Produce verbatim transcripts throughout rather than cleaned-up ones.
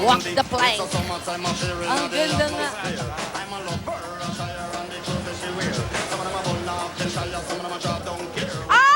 Walk the plank. Ang ganda nga. Oh,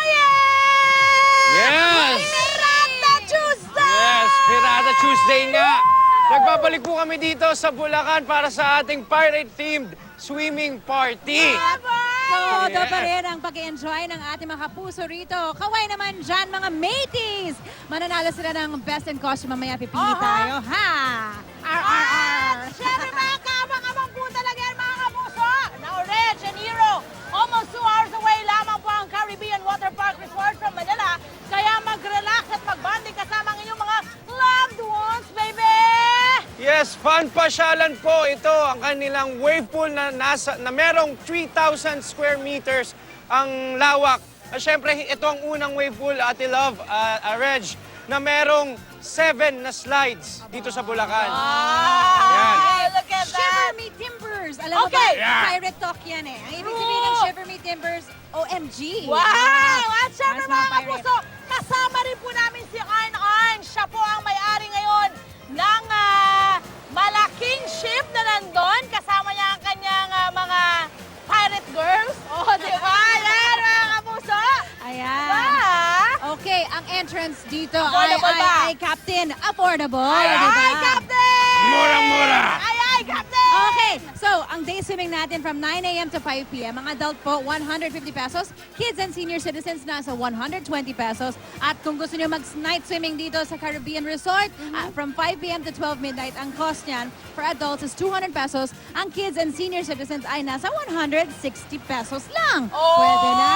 yeah! Yes! Pirata Tuesday! Yes, Pirata Tuesday nga. Nagbabalik po kami dito sa Bulacan para sa ating pirate-themed swimming party. Todo pa rin ang pag-enjoy ng ating mga kapuso rito. Kaway naman dyan, mga mateys! Mananalo sila ng best in costume. Mamaya pipili Oho. tayo, ha? R R R! Siyempre mga kaabang-abang po talaga yan mga kapuso. Now, Reg and Hero, almost two hours away lamang po ang Caribbean Water Park Resort from Manila. Kaya mag-relax at mag-bonding kasama ang inyong mga loved ones, baby! Yes, fun pasyalan po ito ang kanilang wave pool na, nasa, na merong three thousand square meters ang lawak. At syempre, ito ang unang wave pool, Ate Love, uh, uh, Reg, na merong seven na slides dito sa Bulacan. Yan. Ah, look at Shiver that! Me Timbers! Alam mo Okay. ba, Yeah. pirate talk yan eh. Ang ibig sabihin ng True. Shiver Me Timbers, O M G! Wow! At syempre Mas mga mga pirate. kapuso, kasama rin po namin si Arn Arn. Siya po ang may-ari ngayon ng ah, malaking ship na nandun. Kasama niya ang kanyang ah, mga pirate girls. Oh, di ba? Yan mga kapuso. Ayan. Ah! Okay, ang entrance dito ay, Affordable ay, ba? ay Captain Affordable. Ay, diba? ay, Captain! Murang-mura! Ay, ay, Captain! Okay, so ang day swimming natin from nine A M to five P M Ang adult po, one hundred fifty pesos. Kids and senior citizens nasa one hundred twenty pesos. At kung gusto niyo mag-night swimming dito sa Caribbean Resort, ah, from five P M to twelve midnight, ang cost niyan for adults is two hundred pesos. Ang kids and senior citizens ay nasa one hundred sixty pesos lang. Oh! Pwede na.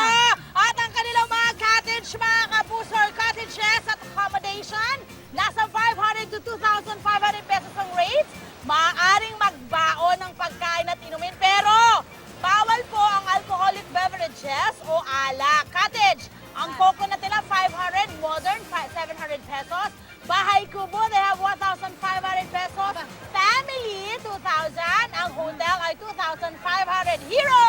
At ang kanilang mga cottage, mga kapuso, or cottages at accommodation, nasa five hundred to two thousand five hundred pesos ang rates. Maaaring magbaon ng pagkain at inumin, pero bawal po ang alcoholic beverages o alak. Cottage, ang coconut nila five hundred, modern seven hundred pesos. Bahay kubo, they have one thousand five hundred pesos. Family, two thousand. Ang hotel ay two thousand five hundred. Hero!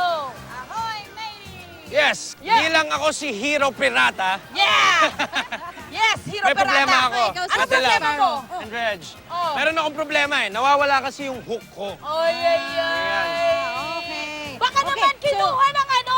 Ahoy, matey! Yes, Yeah. bilang ako si Hero Pirata, Yeah! Yes, Hero may problema Pirata. ako. Ikaw, Ano Ate Love problema mo? and Reg. Oh. Meron akong problema eh. Nawawala kasi yung hook ko. Oy, ay, ay. Okay. Baka Okay, naman so- kinuha ng ano,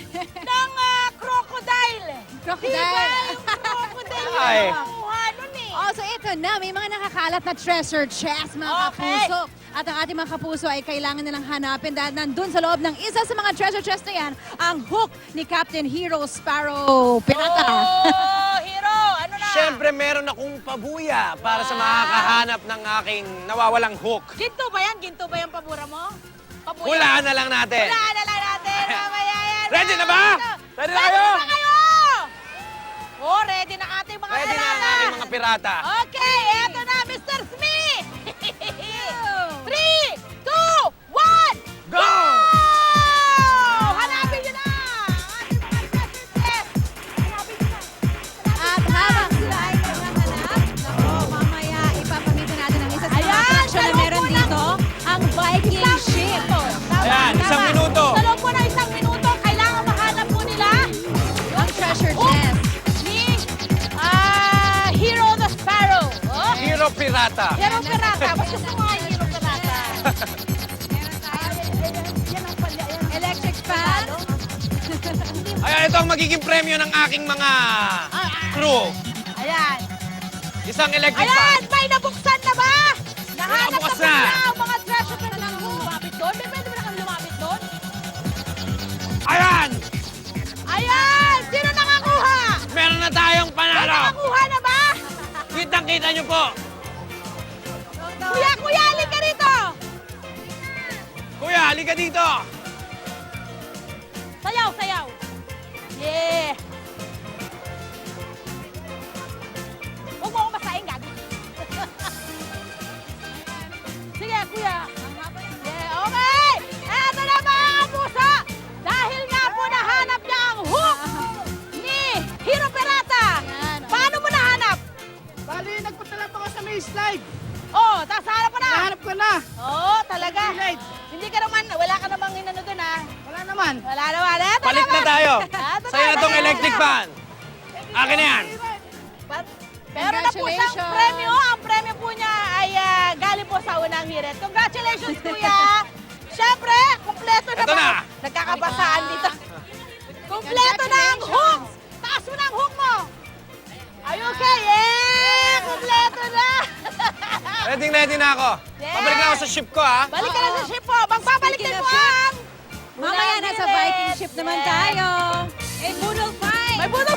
ng ah, crocodile. Crocodile. Diba? Yung crocodile Ay. yung kinuha nun eh. Oh, so ito na, may mga nakakalat na treasure chest, mga Okay. kapuso. At ang ating mga kapuso ay kailangan nilang hanapin dahil nandun sa loob ng isa sa mga treasure chest na yan, ang hook ni Captain Hero Sparrow Pirata. Oh, Hero, ano na? Siyempre, meron akong pabuya para sa makakahanap ng aking nawawalang hook. Ginto ba yan? Ginto ba yung pabura mo? Pabuya? Hulaan na lang natin. Hulaan na lang natin. Mamaya yan. Ready na ba? Ready na kayo? Ready na kayo? Oh, ready na ating mga Ready na ang pirata. aking mga pirata. Okay, eto na, Mister Smith! Three, two, one, Go! hanapin nyo na! Ating mga treasure chest. Hanapin nyo na. At habang sila ay naghahanap, nako, mamaya ipapamitin natin ang isa sa mga Ayan, attraction na sa loob meron po ng- dito, ang Viking Isang Ship. minuto. Tama, Ayan, isang tama. minuto. Sa loob po na isang minuto, kailangan mahanap po nila Ang treasure hook chest. ni ah, Hero the Sparrow. Oh, Hero Pirata. Hero Pirata. Mas gusto mo nga yung Hero Pirata. Meron tayo Yan ang pala. Yan. electric fan. Ayan, ito ang magiging premyo ng aking mga crew. Ayan. Isang electric Ayan! fan. May nabuksan na ba? Nahanap na Nakabukas ba na. nila ang mga treasure na lang lumapit doon? May pwede ba na kami lumapit doon? Ayan! Ayan! Sino nakakuha? Meron na tayong May panalo. nakakuha na ba? Kitang-kita nyo po. Kuya, kuya, alin ka rito! Kuya, halika dito. Sayaw, sayaw! Yeah! Huwag mo akong masaing, gabi. Sige, kuya. Yeah, okay! Eto na mga kapuso! Dahil nga po nahanap niya ang hook ni Hero Pirata! Ayan. Paano mo nahanap? Bali, nagpunta lang ako sa may slide. Oh, tapos hanap mo na! Nahanap ko na. Oo, talaga. Slide. Hindi ka naman, wala ka namang inano dun ha. Wala naman. Wala naman. Eto Palit na naman. tayo. Eto Sa'yo na tong eto electric na. fan. Akin na yan. But, meron na po siyang Congratulations. premyo. Ang premyo po niya did it. Congratulations, Kuya! Siyempre, kumpleto na Ito ba? na. Nagkakabasaan dito. Kumpleto na ang hook! Taas mo na ang hook mo! Are you okay? Yeah! Kumpleto na! Ready ready na ako. Yes. Pabalik na ako sa ship ko, ha? Balik ka na sa ship mo. Magbabalik din Speaking of mo ship, ang... Mamaya nasa Viking ship naman tayo. Eh, Moodle five. May buno